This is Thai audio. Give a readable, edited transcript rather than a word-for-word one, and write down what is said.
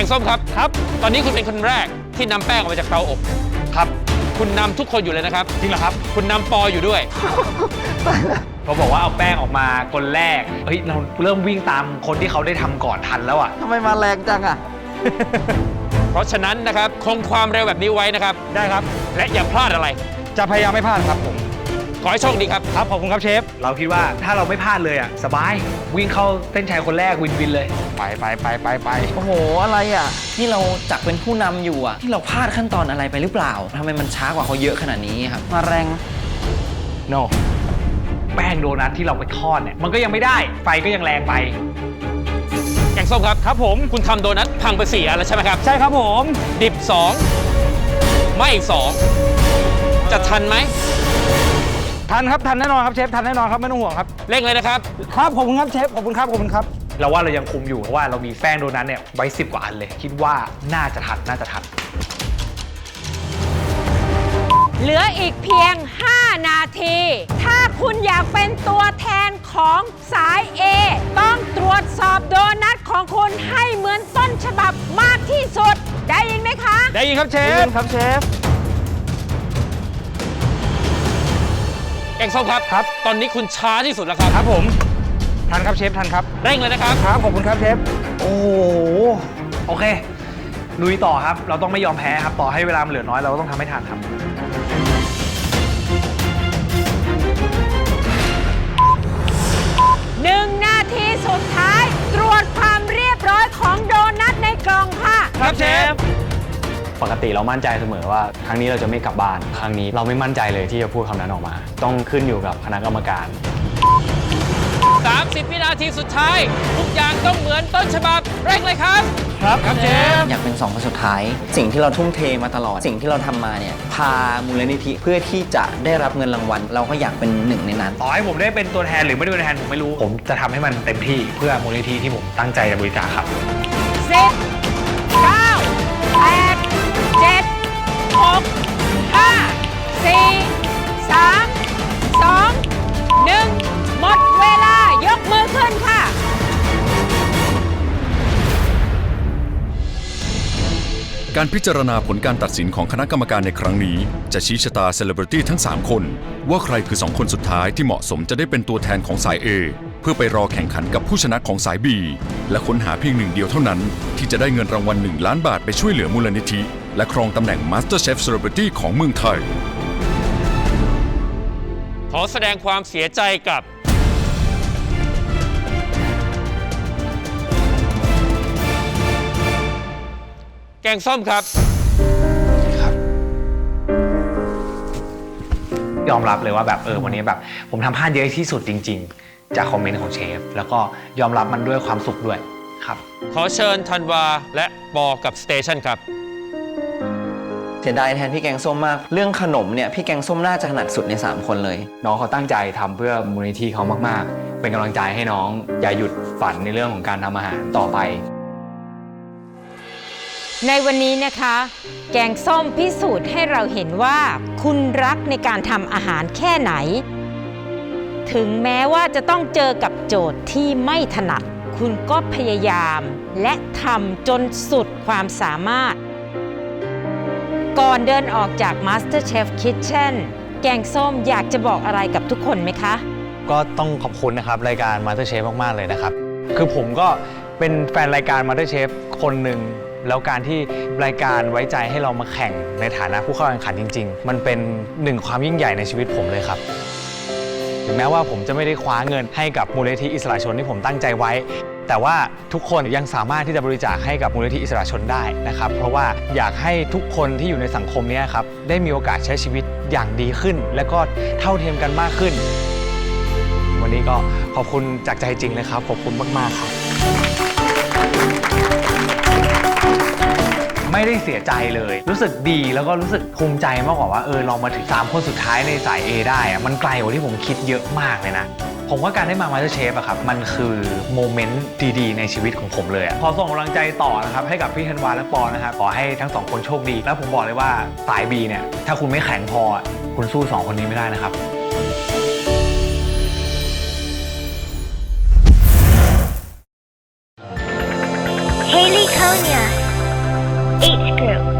งส้มครับตอนนี้คุณเป็นคนแรกที่นำแป้งออกมาจากเตาอบครับคุณนำทุกคนอยู่เลยนะครับจริงเหรอครับคุณนำปออยู่ด้วยเขาบอกว่าเอาแป้งออกมาคนแรกเฮ้ยเราเริ่มวิ่งตามคนที่เขาได้ทำก่อนทันแล้วอ่ะทำไมมาแรงจังอ่ะเพราะฉะนั้นนะครับคงความเร็วแบบนี้ไว้นะครับได้ครับและอย่าพลาดอะไรจะพยายามไม่พลาดครับผมขอให้โชคดีครับครับขอบคุณครับเชฟเราคิดว่าถ้าเราไม่พลาดเลยอ่ะสบายวิ่งเข้าเส้นชัยคนแรกวินเลยไปโอ้โหอะไรอ่ะนี่เราจักเป็นผู้นำอยู่อะที่เราพลาดขั้นตอนอะไรไปหรือเปล่าทำไมมันช้ากว่าเขาเยอะขนาดนี้ครับมาแรง no แป้งโดนัทที่เราไปทอดเนี่ยมันก็ยังไม่ได้ไฟก็ยังแรงไปแกงส้มครับครับผมคุณทำโดนัทพังไป4 อันแล้วใช่ไหมครับใช่ครับผมดิบ2ไม่อีก2จะทันไหมทันครับทันแน่นอนครับเชฟทันแน่นอนครับไม่ต้องห่วงครับเร่งเลยนะครับครับขอบคุณครับเชฟขอบคุณครับเราว่าเรายังคุมอยู่เพราะว่าเรามีแป้งโดนัทเนี่ยไว้10 กว่าอันเลยคิดว่าน่าจะทันเหลืออีกเพียง 5 นาที ถ้าคุณอยากเป็นตัวแทนของสาย A ต้องตรวจสอบโดนัทของคุณให้เหมือนต้นฉบับมากที่สุดได้ยินไหมคะได้ยินครับเชฟแกงส้มครับตอนนี้คุณช้าที่สุดแล้วครับครับผมทันครับเชฟทันครับเร่งเลยนะครับครับขอบคุณครับเชฟโอ้โหโอเคลุยต่อครับเราต้องไม่ยอมแพ้ครับต่อให้เวลามันเหลือน้อยเราต้องทำให้ทันครับ 1 นาทีสุดท้ายตรวจความเรียบร้อยของโดนัทในกล่องค่ะครับเชฟปกติเรามั่นใจเสมอว่าครั้งนี้เราจะไม่กลับบ้านครั้งนี้เราไม่มั่นใจเลยที่จะพูดคำนั้นออกมาต้องขึ้นอยู่กับคณะกรรมการ 30 วินาทีสุดท้ายทุกอย่างต้องเหมือนต้นฉบับเร่งเลยครับครับเชฟอยากเป็น2 คนสุดท้ายสิ่งที่เราทุ่มเทมาตลอดสิ่งที่เราทำมาเนี่ยพามูลนิธิเพื่อที่จะได้รับเงินรางวัลเราก็อยากเป็นหนึ่งในนั้นต่อให้ผมได้เป็นตัวแทนหรือไม่ได้เป็นตัวแทนผมไม่รู้ผมจะทำให้มันเต็มที่เพื่อมูลนิธิที่ผมตั้งใจจะบริจาคครับ 10 9 8 7 6 5 4 3 2 1 หมดเวลายกมือขึ้นค่ะการพิจารณาผลการตัดสินของคณะกรรมการในครั้งนี้จะชี้ชะตาเซเลบริตี้ทั้ง3 คนว่าใครคือ2 คนสุดท้ายที่เหมาะสมจะได้เป็นตัวแทนของสาย A เพื่อไปรอแข่งขันกับผู้ชนะของสาย B และค้นหาเพียง1 เดียวเท่านั้นที่จะได้เงินรางวัล1 ล้านบาทไปช่วยเหลือมูลนิธิและครองตำแหน่ง MasterChef Celebrity ของเมืองไทยขอแสดงความเสียใจกับแกงส้มครับยอมรับเลยว่าแบบวันนี้แบบผมทำพลาดเยอะที่สุดจริงๆจากคอมเมนต์ของเชฟแล้วก็ยอมรับมันด้วยความสุขด้วยครับขอเชิญธันวาและปอกับสเตชันครับเสียดายแทนพี่แกงส้มมากเรื่องขนมเนี่ยพี่แกงส้มน่าจะถนัดสุดใน3 คนเลยน้องเขาตั้งใจทำเพื่อมูลนิธิเขามากๆเป็นกำลังใจให้น้องอย่าหยุดฝันในเรื่องของการทำอาหารต่อไปในวันนี้นะคะแกงส้มพิสูจน์ให้เราเห็นว่าคุณรักในการทำอาหารแค่ไหนถึงแม้ว่าจะต้องเจอกับโจทย์ที่ไม่ถนัดคุณก็พยายามและทำจนสุดความสามารถก่อนเดินออกจาก MasterChef Kitchen แกงส้มอยากจะบอกอะไรกับทุกคนไหมคะก็ต้องขอบคุณนะครับรายการ MasterChef มากๆเลยนะครับคือผมก็เป็นแฟนรายการ MasterChef คนหนึ่งแล้วการที่รายการไว้ใจให้เรามาแข่งในฐานะผู้เข้าแข่งขันจริงๆมันเป็น1 ความยิ่งใหญ่ในชีวิตผมเลยครับถึงแม้ว่าผมจะไม่ได้คว้าเงินให้กับมูลนิธิอิสระชนที่ผมตั้งใจไว้แต่ว่าทุกคนยังสามารถที่จะบริจาคให้กับมูลนิธิอิสระชนได้นะครับเพราะว่าอยากให้ทุกคนที่อยู่ในสังคมนี้ครับได้มีโอกาสใช้ชีวิตอย่างดีขึ้นและก็เท่าเทียมกันมากขึ้นวันนี้ก็ขอบคุณจากใจจริงเลยครับขอบคุณมากๆครับไม่ได้เสียใจเลยรู้สึกดีแล้วก็รู้สึกภูมิใจมากกว่าว่าเรามาถึง3 คนสุดท้ายในสาย A ได้มันไกลกว่าที่ผมคิดเยอะมากเลยนะผมว่าการได้มา MasterChef อะครับมันคือโมเมนต์ดีๆในชีวิตของผมเลยขอส่งกำลังใจต่อนะครับให้กับพี่ธันวาและปอนะครับขอให้ทั้ง2 คนโชคดีแล้วผมบอกเลยว่าสาย B เนี่ยถ้าคุณไม่แข็งพอคุณสู้2 คนนี้ไม่ได้นะครับ Haley Konya H group.